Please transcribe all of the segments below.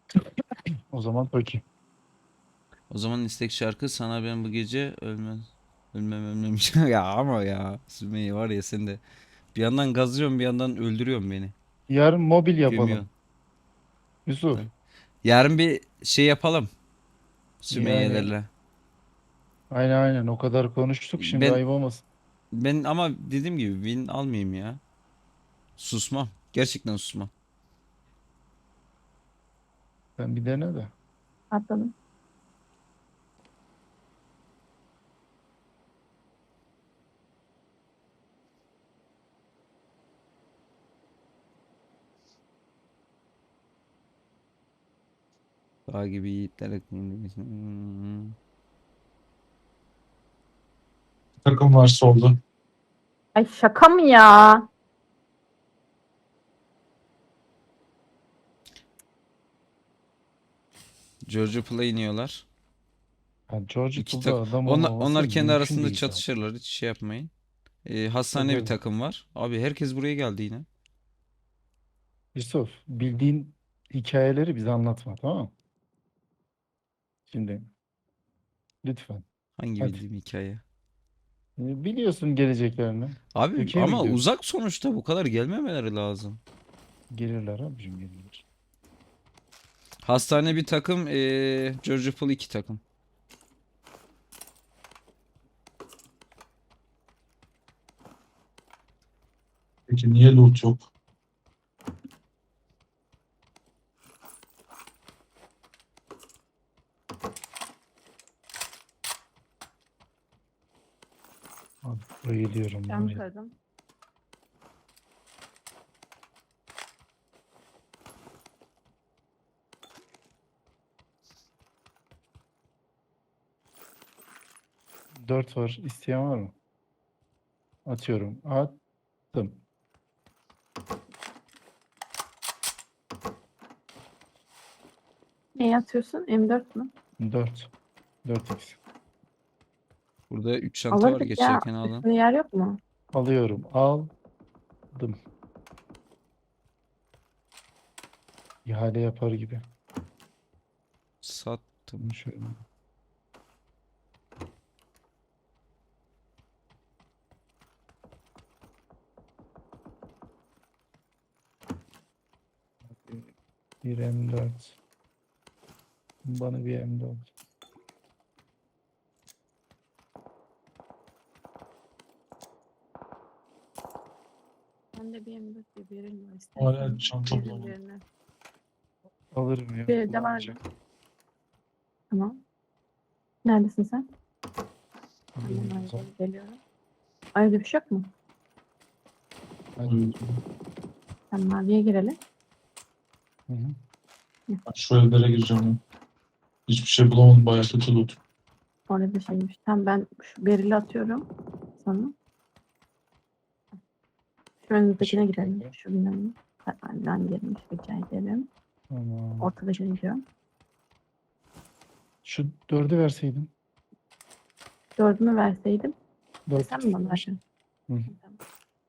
O zaman Toki. O zaman istek şarkı sana ben bu gece ölmem ya ama ya Sümeyye var ya sen de bir yandan gazlıyorsun bir yandan öldürüyorsun beni. Yarın mobil yapalım. Gömüyorsun. Yusuf. Tabii. Yarın bir şey yapalım Yani Sümeyye'lerle. aynen o kadar konuştuk şimdi Ben ayıp olmasın. ben ama dediğim gibi win almayayım ya. Susmam. Gerçekten susmam. Sen bir dene de. Atladım. Dağ gibi yiğitler. Hmm. Takım var solda. Ay şaka mı ya? Georgia Play iniyorlar. Yani George İki Pool'da tak adam olmaması onlar kendi mümkün arasında değil zaten. çatışırlar. Hiç şey yapmayın. Hastane bir Tabii. takım var. Abi herkes buraya geldi yine. Yusuf bildiğin hikayeleri bize anlatma, tamam mı? Şimdi lütfen. Hangi Hadi. bildiğim hikaye. Biliyorsun geleceklerini. Abi Ülkeye mi ama gidiyoruz? uzak sonuçta bu kadar gelmemeleri lazım. Gelirler abicim, gelirler. Hastane bir takım, Georgia Pool iki takım. Peki niye loot yok? Abi bayılıyorum Cam var ya. kırdım. Dört var. İsteyen var mı? Atıyorum. Attım. Neyi atıyorsun? M4 mü? Dört. 4x. Burada 3 çanta var Alırdık ya. geçerken alın. Üstünde yer yok mu? Alıyorum. Aldım. İhale yapar gibi. Sattım. Bunu şöyle. Bir M4. Bana bir M4. Bende bir M4 bir birim var. Hala İstersen çanta veririm bulamadım. birine. Alırım ya. Bir de vardı. Kullanacak. Tamam. Neredesin sen? Alayım Hemen o zaman. geliyorum. Ayrıca bir şey yok mu? Hadi. Sen maviye girelim. Hı hı. Ben şu evlere gireceğim. Ya. Hiçbir şey bulamadım. Bayağı kötü loot. Orada şeymiş. Tamam ben şu berili atıyorum sana. Şu önümüzdekine Teşekkür gidelim. ederim. Şu binanın. Ben girmiş rica ederim. Tamam. Ortadakine gidiyorum. Şu dördü verseydin. Dördümü verseydim. Dört Sen mi bana istemiş. verdin? Hı. Tamam.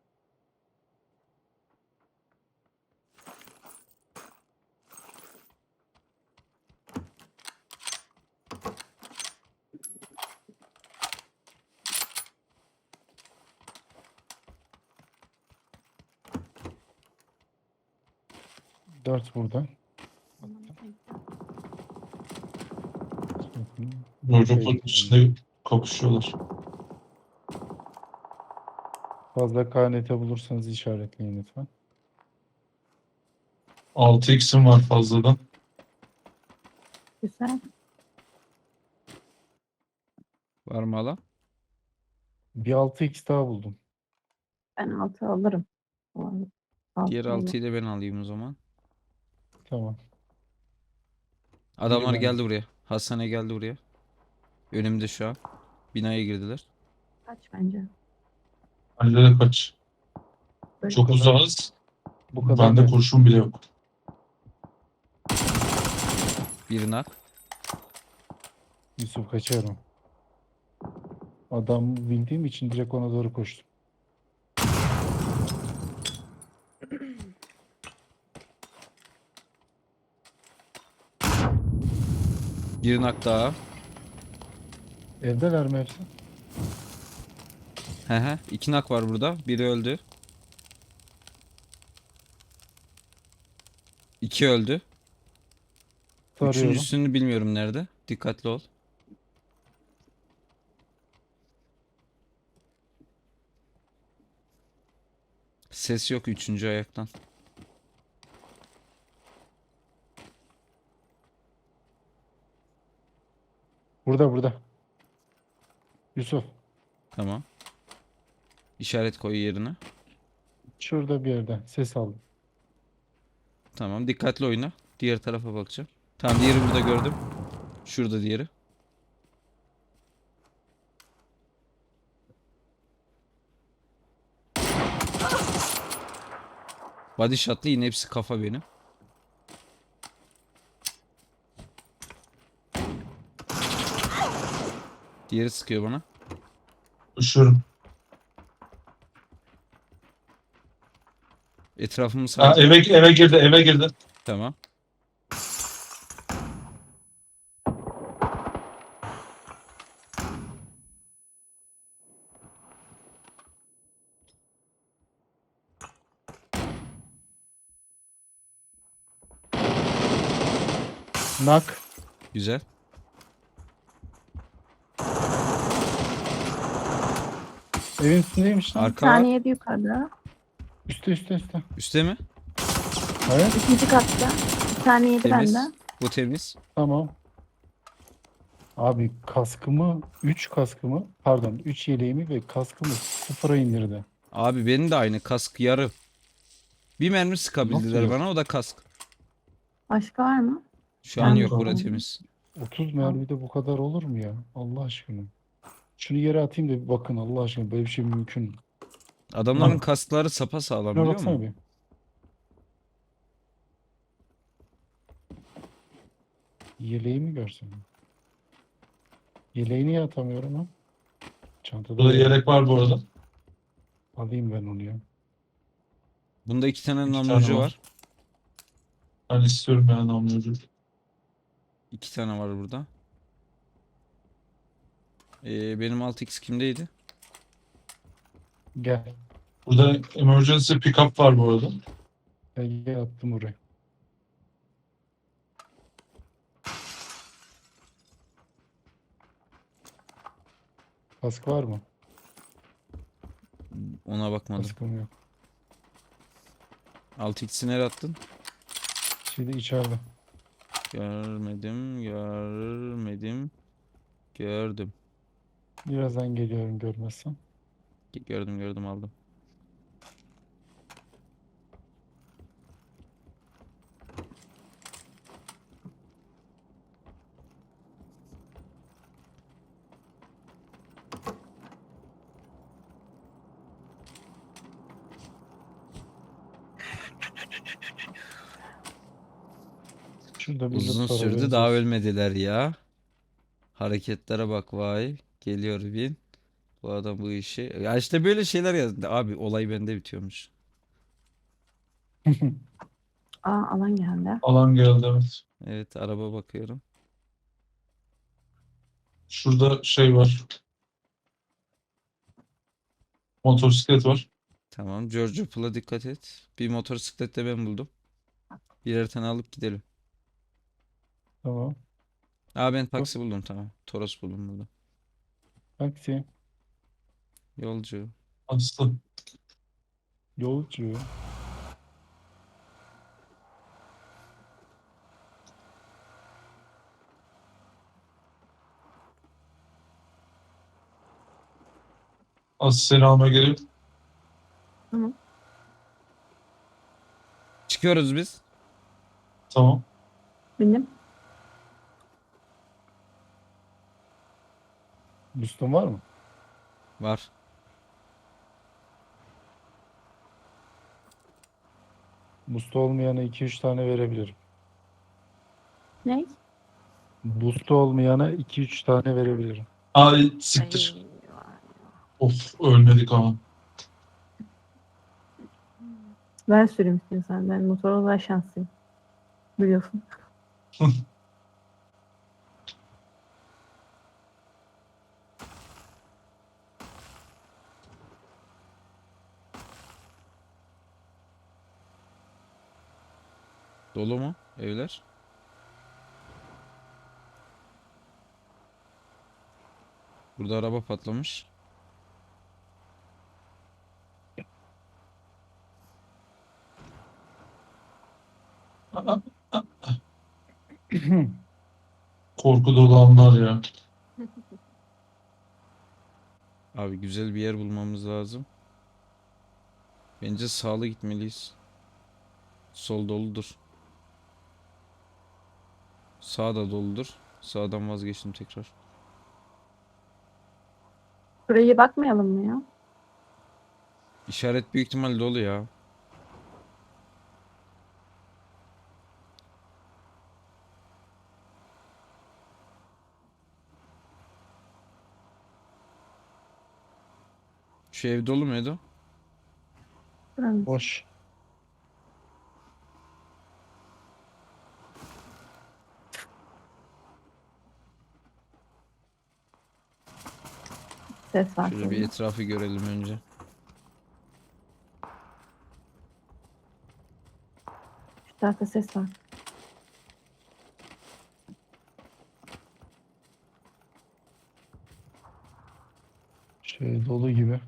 Dört burada. Tamam, thank you. Çocukların içinde kapışıyorlar. Fazla KNT bulursanız işaretleyin lütfen. 6x'im var fazladan. Güzel. Var mı hala? Bir 6x daha buldum. Ben altı alırım. Bu arada. Diğer Altı olur. 6'yı da ben alayım o zaman. Tamam. Biri Adamlar bende. geldi buraya. Hastane geldi buraya. Önümde şu an. Binaya girdiler. Kaç bence. Bende de kaç. Böyle Çok kadar. uzağız. Bu kadar Bende net. kurşun bile yok. Bir nak. Yusuf kaçıyorum. Adam bildiğim için direkt ona doğru koştum. Bir nak daha. Evdeler mi hepsi? He he. 2 nak var burada. Biri öldü. 2 öldü. Sarıyorum. Üçüncüsünü bilmiyorum nerede. Dikkatli ol. Ses yok üçüncü ayaktan. Burada. Yusuf. Tamam. İşaret koy yerine. Şurada bir yerde. Ses aldım. Tamam. Dikkatli oyna. Diğer tarafa bakacağım. Tamam diğeri burada gördüm. Şurada diğeri. Body shot'lı yine hepsi kafa benim. Diğeri sıkıyor bana. Üşüyorum. Etrafımı Ha, sardı. eve girdi, eve girdi. Tamam. Nak. Güzel. Evin üstündeymiş lan. Bir Arka var. tane yedi yukarıda. Üstte. Üste mi? Evet. İkinci katta. Bir tane yedi Temiz. benden. Bu temiz. Tamam. Abi kaskımı 3 kaskımı pardon 3 yeleğimi ve kaskımı sıfıra indirdi. Abi benim de aynı kask yarı. Bir mermi sıkabildiler yok? bana o da kask. Başka var mı? Şu an Ben yok de bura oldum. temiz. 30 mermide bu kadar olur mu ya? Allah aşkına. Şunu yere atayım da bir bakın Allah aşkına böyle bir şey mümkün mü? Adamların Lan. kaskları sapasağlam Şuna biliyor baksana musun? bir. Yeleğimi görsün. Yeleği niye atamıyorum ha? Çantada Burada var. yelek var bu arada. Alayım ben onu ya. Bunda 2 tane 2 namlucu tane var. var. Ben istiyorum yani namlucu. 2 tane var burada. Benim 6x kimdeydi? Gel. Burada emergency pickup var bu arada. Gel attım oraya. Kask var mı? Ona bakmadım. Kaskım yok. 6x'i nereye attın? Şimdi içeride. Gördüm. Birazdan geliyorum görmezsen. Gördüm aldım. Şurada bir Uzun loot var, sürdü haberiniz daha olsun. ölmediler ya. Hareketlere bak vay. Geliyor bin. Bu adam bu işi. Ya işte böyle şeyler ya. Abi olay bende bitiyormuş. Aa, alan geldi. Alan geldi, evet. Evet araba bakıyorum. Şurada şey var. Motosiklet var. Tamam. Giorgio Pool'a dikkat et. Bir motosiklet de ben buldum. Birer tane alıp gidelim. Tamam. Aa ben taksi buldum tamam. Toros buldum burada. Taksi. Yolcu. Aslı. Yolcu. Aslı seni almaya geliyor. Çıkıyoruz biz. Tamam. Benim. Boost'un var mı? Var. Boost olmayana 2-3 tane verebilirim. Ne? Boost olmayana 2-3 tane verebilirim. Ay siktir. Ay, Of ölmedik ama. ben süreyim istiyorsan. Ben motorla daha şanslıyım. Biliyorsun. Dolu mu evler? Burada araba patlamış. Aa, korku dolu anlar ya. Abi güzel bir yer bulmamız lazım. Bence sağlı gitmeliyiz. Sol doludur. Sağ da doludur. Sağdan vazgeçtim tekrar. Buraya bakmayalım mı ya? İşaret büyük ihtimal dolu ya. Şu ev dolu muydu? Buranın Boş. ses var. Şöyle bir şöyle. etrafı görelim önce. Şu tarafta ses var. Şey dolu gibi.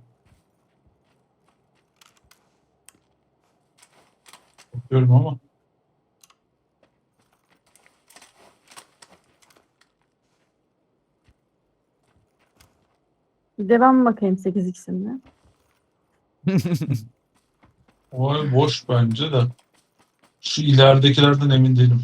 Bakıyorum ama. Bir devam bakayım 8x'imle. O ev boş bence de. Şu ileridekilerden emin değilim.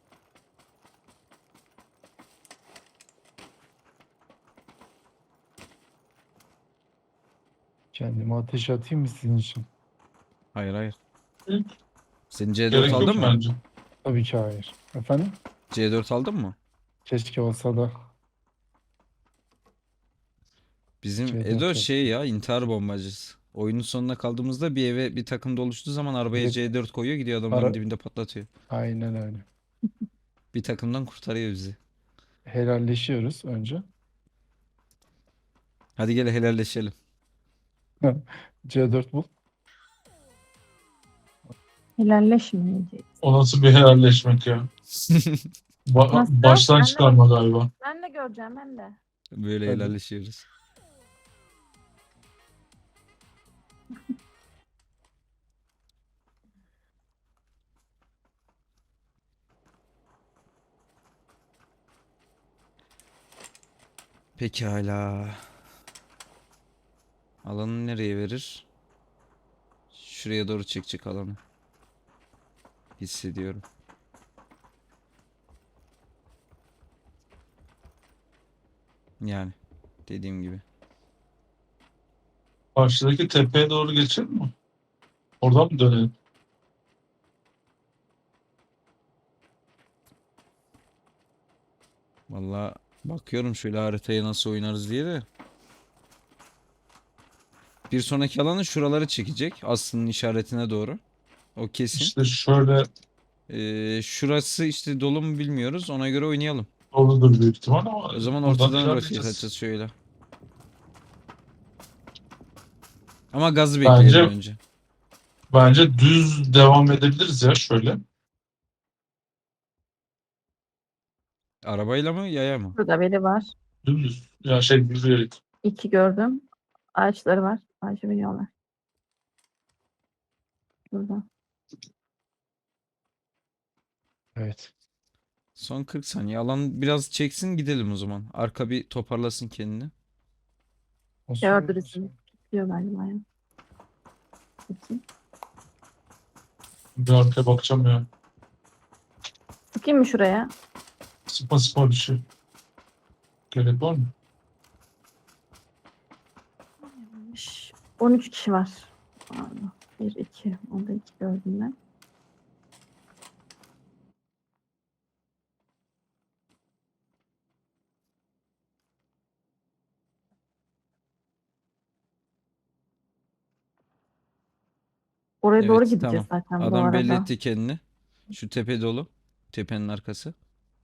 Kendime ateş atayım mı sizin için? Hayır hayır. Hı. Sen C4 Gerek yok aldın mı? bence. Tabii ki hayır. Efendim? C4 aldın mı? Keşke olsa da Bizim C4 Edo yok. şey ya intihar bombacısı. Oyunun sonuna kaldığımızda bir eve bir takım doluştuğu zaman arabaya Direkt C4 koyuyor gidiyor adamların ara- dibinde patlatıyor. Aynen öyle. Bir takımdan kurtarıyor bizi. Helalleşiyoruz önce. Hadi gel helalleşelim. C4 bul. Helalleşmeyeceğiz. O nasıl bir helalleşmek ya? Nasıl? Baştan Ben de çıkarma galiba. Ben de göreceğim ben de. Böyle Hadi. helalleşiyoruz. Pekala. Alanı nereye verir? Şuraya doğru çekecek alanı. Hissediyorum. Yani dediğim gibi. Karşıdaki tepeye doğru geçelim mi? Oradan mı dönelim? Vallahi bakıyorum şöyle haritaya nasıl oynarız diye de. Bir sonraki alanı şuraları çekecek. Aslının işaretine doğru. O kesin. İşte şöyle Şurası işte dolu mu bilmiyoruz. Ona göre oynayalım. doludur büyük ihtimal ama O zaman buradan ortadan rotate ilerleyeceğiz. atacağız şöyle. Ama gazı bekleyelim önce. Bence düz devam edebiliriz ya şöyle. Arabayla mı yaya mı? Burada biri var. Dümdüz. Ya şey yürüyerek. 2 gördüm. Ağaçları var. Ağaca biniyorlar. Burada. Evet. Son 40 saniye. Alan biraz çeksin gidelim o zaman. Arka bir toparlasın kendini. O Gördü sırada- bizi. Diyor galiba ya. Bakayım. Bir arkaya bakacağım ya. Sıkayım mı şuraya? Sıkma sıkma bir şey. Gerek var mı? 13 kişi var. 1, 2. Onda 2 gördüm ben. Oraya doğru Evet, gideceğiz tamam. zaten bu Adam arada. belli etti kendini. Şu tepe dolu. Tepenin arkası.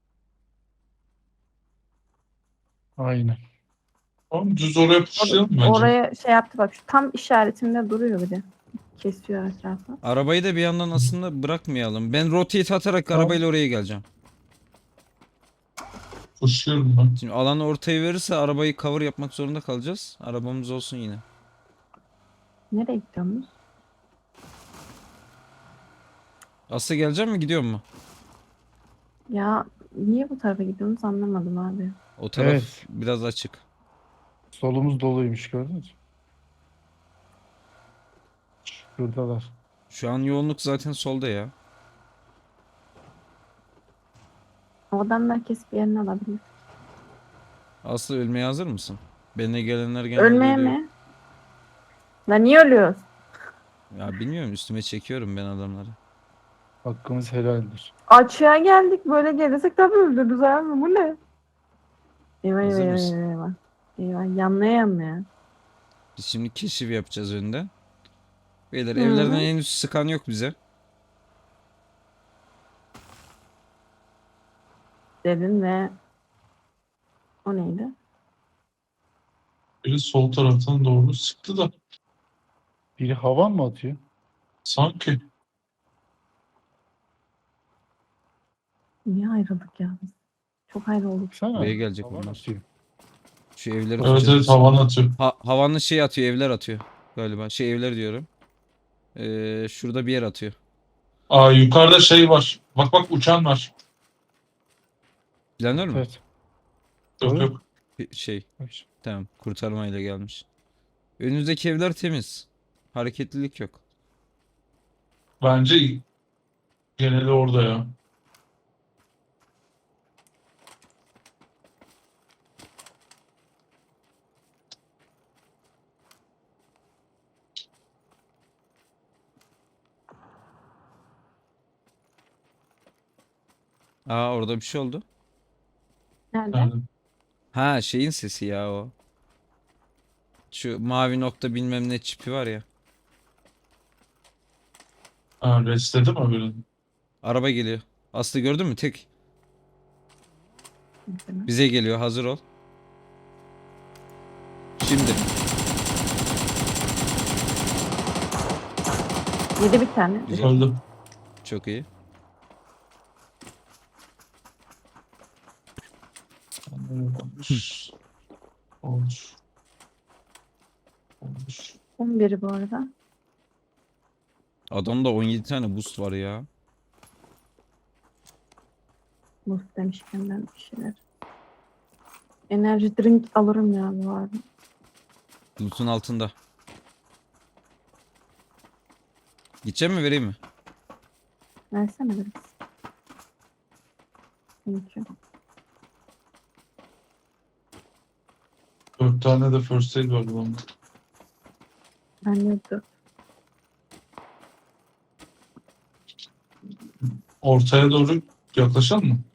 Aynen. Tamam düz oraya puşlayalım bence. Oraya şey yaptı bak. Şu tam işaretimde duruyor bir de. kesiyor etrafı. Arabayı da bir yandan aslında bırakmayalım. Ben rotate atarak Tamam. arabayla oraya geleceğim. Koşuyorum ben. Şimdi alanı ortaya verirse arabayı cover yapmak zorunda kalacağız. Arabamız olsun yine. Nereye gidiyorsunuz? Aslı gelecek mi gidiyor mu? Ya niye bu tarafa gidiyorsunuz anlamadım abi. O taraf Evet. biraz açık. Solumuz doluymuş gördünüz mü? Şuradalar. Şu an yoğunluk zaten solda ya. O adamlar kesip yerini alabilir. Aslı ölmeye hazır mısın? Benimle gelenler genelde Ölmeye ölüyor. mi? Lan niye ölüyoruz? Ya bilmiyorum, üstüme çekiyorum ben adamları. Hakkımız helaldir. Açığa geldik böyle gelirsek tabii öldürürüz abi bu ne? Eyvah eyvah Hazır eyvah mısın? eyvah. Eyvah Eyvah, yanlaya yanlaya. Biz şimdi keşif yapacağız önde. Beyler Hı. evlerden henüz sıkan yok bize. Dedin ve o neydi? Biri sol taraftan doğru sıktı da Biri havan mı atıyor? sanki. Niye ayrıldık ya biz? Çok ayrı olduk. Baksana. Buraya gelecek havan onlar. atıyor. Şu evleri Evet tutacağız. evet havan atıyor. Havanlı şey atıyor, evler atıyor galiba. Şey, evler diyorum. Şurada bir yer atıyor. Aa yukarıda şey var. Bak bak uçan var. Planör mü? Evet. Yok Evet. yok. Şey, Bak şimdi. tamam, kurtarmayla gelmiş. Önünüzdeki evler temiz. Hareketlilik yok. Bence geneli orada ya. Aa, orada bir şey oldu. Nerede? Yani, Ha, şeyin sesi ya o. Şu mavi nokta bilmem ne çipi var ya. ha, restledi mi öbürünü? Araba geliyor. Aslı gördün mü? Tek. Mesela. Bize geliyor, hazır ol. Şimdi. Yedi bir tane. Güzel. Öldü. Çok iyi. Olmuş. Olmuş. Olmuş. 11'i bu arada. Adamda 17 tane boost var ya. Boost demişken ben bir şeyler. Enerji drink alırım ya bu arada. Loot'un altında. Gideceğim mi, vereyim mi? Versene biraz. Thank you. 4 tane de first aid var bunda. Ben yoktu. Ortaya doğru yaklaşalım mı?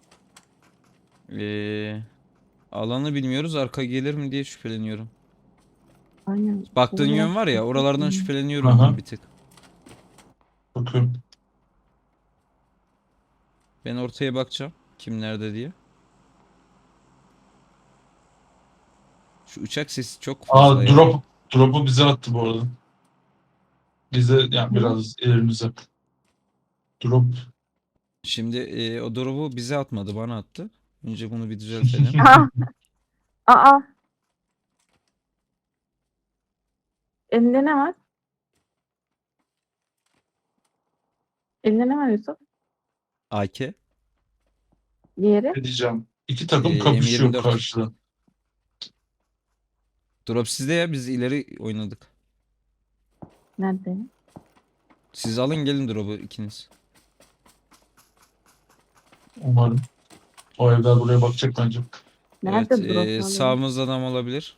Alanı bilmiyoruz. Arka gelir mi diye şüpheleniyorum. Aynen. Baktığın Oraya yön var ya, oralardan Hmm. şüpheleniyorum Aha. ben bir tık. Bakıyorum. Ben ortaya bakacağım. Kim nerede diye. Şu uçak sesi çok fazla Aa ya. drop'u bize attı bu arada. Bize yani Ne? biraz elimize. Drop. Şimdi o drop'u bize atmadı, bana attı. Önce bunu bir düzeltelim. Aa! Aa! Elinde ne var? Elinde ne var Yusuf? AK. Diğeri? Ne diyeceğim? İki takım Ee, kapışıyor M24. karşıda. Drop sizde ya, biz ileri oynadık. Nerede? Siz alın gelin drop'u ikiniz. Umarım. O evler buraya bakacak bence. Nerede Evet, drop var? sağımızda adam olabilir.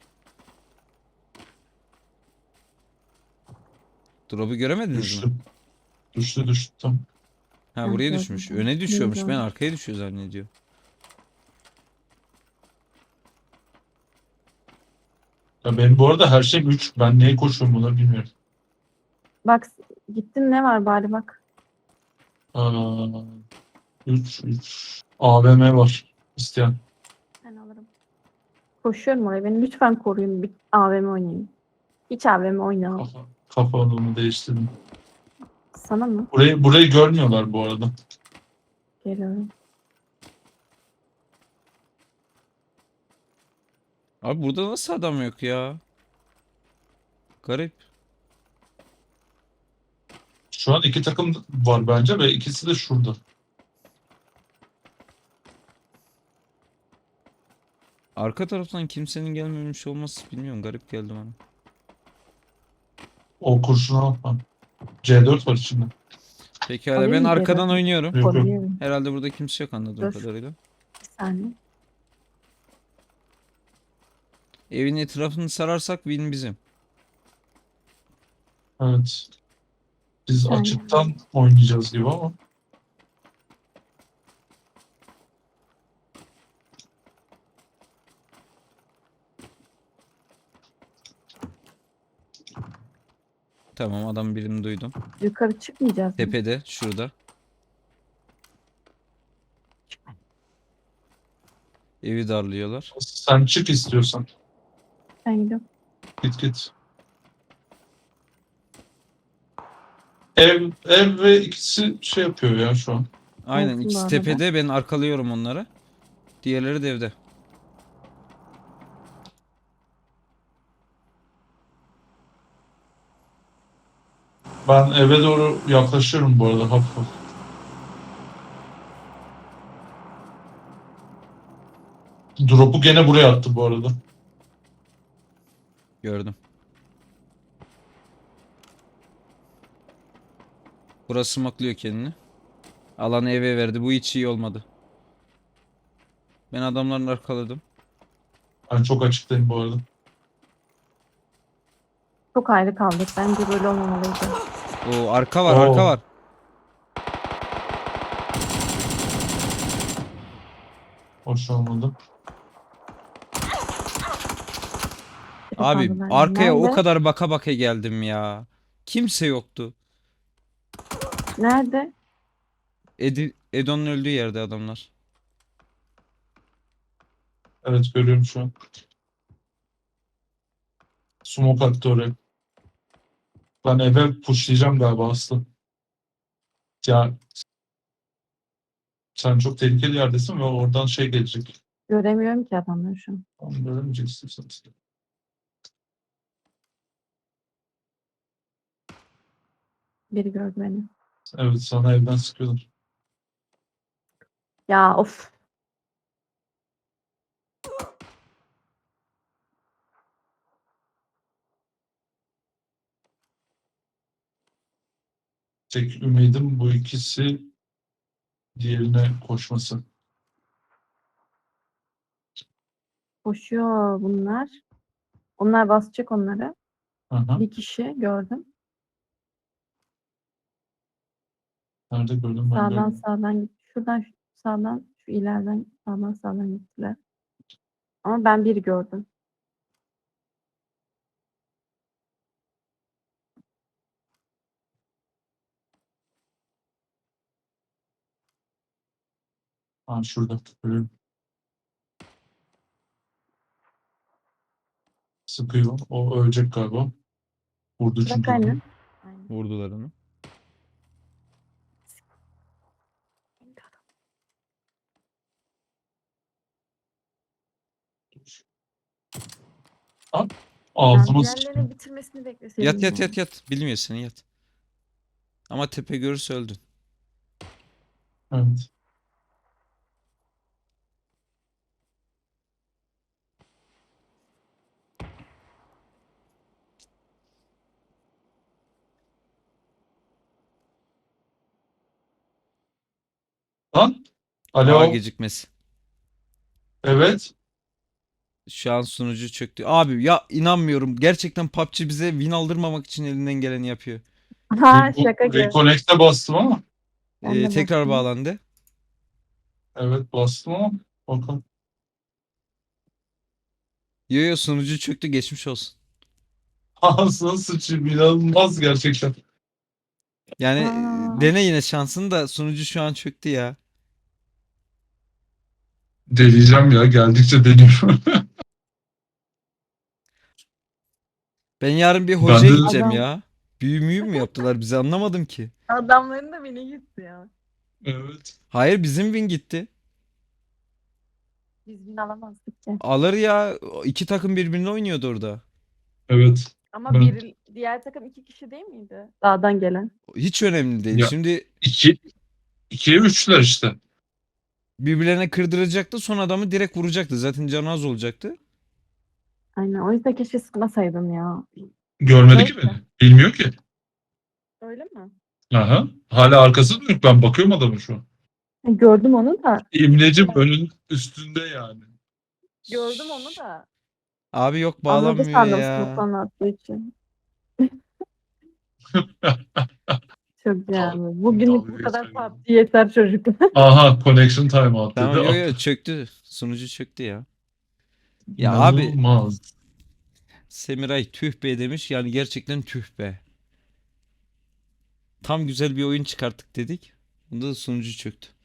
Drop'u göremediniz Düştü. mi? Düştü. Tamam. Ha, Ben buraya gördüm, düşmüş. ben. Öne düşüyormuş. Ben Bilmiyorum. arkaya düşüyor zannediyor. Ya benim bu arada her şeyim 3. Ben neye koşuyorum buna bilmiyorum. Bak gittin ne var bari bak. 3. AVM var. İsteyen. Ben alırım. Koşuyorum oraya. Beni lütfen koruyun. Bir AVM oynayayım. Hiç AVM oynamam. Kafa, Kafamı değiştirdim. Sana mı? Burayı görmüyorlar bu arada. Geliyorum. Abi burada nasıl adam yok ya? Garip. Şu an iki takım var bence ve ikisi de şurada. Arka taraftan kimsenin gelmemiş olması bilmiyorum. Garip geldi bana. O kurşunu atma. C4 var içinde. Pekala Alayım ben mı arkadan geri? oynuyorum. Yok yok. Koruyorum. Herhalde burada kimse yok anladığım Dur. kadarıyla. Bir saniye. Evin etrafını sararsak win bizim. Evet. Biz Aynen. açıktan oynayacağız gibi ama. Tamam adam birini duydum. Yukarı çıkmayacağız mı? Tepede şurada. Evi darlıyorlar. Sen çık istiyorsan. Ben gidiyorum. Git. Ev ve ikisi şey yapıyor ya şu an. Aynen Olsun bu ikisi arada. tepede ben arkalıyorum onları. Diğerleri de evde. Ben eve doğru yaklaşıyorum bu arada hafif hafif. Drop'u gene buraya attı bu arada. Gördüm. Burası maklıyor kendini. Alanı eve verdi. Bu hiç iyi olmadı. Ben adamlarını arkaladım. Ben çok açıktayım bu arada. Çok ayrı kaldık. Bence böyle olmamalıydı. Oo arka var, Oo. arka var. Hoş olmadı. Biri Abi kaldı bende. arkaya o Nerede? kadar baka baka geldim ya. Kimse yoktu. Nerede? Edon'un öldüğü yerde adamlar. Evet görüyorum şu an. Smoke attı oraya. Ben eve pushlayacağım galiba Aslı. Ya sen çok tehlikeli yerdesin ve oradan şey gelecek. Göremiyorum ki adamları şu an. Onu göremeyeceksin sen. Biri gördü beni. Evet sana evden sıkıyorlar. Ya of. Tek ümidim bu ikisi diğerine koşması. Koşuyor bunlar. Onlar basacak onları. Aha. Bir kişi gördüm. Nerede gördüm ben Sağdan de. sağdan gitti. Şuradan sağdan şu ileriden sağdan gittiler. Ama ben biri gördüm. Ha şurada. Görüyorum. Sıkıyor. O ölecek galiba. Vurdu Bırak çünkü. aynen. Aynen. Vurdular onu. Ha? Yani Ağzıma diğerlerinin sıçtı. bitirmesini bekleseydim. Yat yani. yat. Bilmiyor seni yat. Ama tepe görürse öldün. Evet. Lan? A Alo. gecikmesi. Evet. Şu an sunucu çöktü. Abi ya inanmıyorum. Gerçekten PUBG bize win aldırmamak için elinden geleni yapıyor. Ha şaka gibi. Reconnect'e bastım ama. Ben de Tekrar baktım. bağlandı. Evet bastım ama. Bakalım. Yo sunucu çöktü geçmiş olsun. Ağzına sıçayım. İnanılmaz gerçekten. Yani Aa. dene yine şansını da sunucu şu an çöktü ya. Deneyeceğim ya. Geldikçe deniyorum. Ben yarın bir Ben hocaya de- gideceğim Adam- ya. Büyü müyü mü yaptılar bize anlamadım ki. Adamların da beni gitti ya. Evet. Hayır bizim win gitti. Biz bin alamazdık ki. Alır ya. İki takım birbirine oynuyordu orada. Evet. Ama Ben- diğer takım 2 kişi değil miydi? Dağdan gelen. Hiç önemli değil. Ya. Şimdi 2'ye 3'ler işte. birbirlerine kırdıracaktı. Son adamı direkt vuracaktı. Zaten canı az olacaktı. Aynen. O yüzden keşke sıkmasaydın ya. Görmedi ki Neyse. beni. Bilmiyor ki. Öyle mi? Aha. Hala arkası dönük. Ben bakıyorum adamın şu an. Gördüm onu da. İmlecim önün üstünde yani. Gördüm onu da. Abi yok Anladı bağlanmıyor sandım ya. smoke'tan attığı için. Çok yani. Bugünlük bu dalga kadar geçiyor. PUBG yeter çocuklar. Aha connection timeout Tamam dedi. yo çöktü. Sunucu çöktü ya. Ya abi İnanılmaz. Semiray tüh be demiş. Yani gerçekten tüh be. Tam güzel bir oyun çıkarttık dedik. Bunda da sunucu çöktü.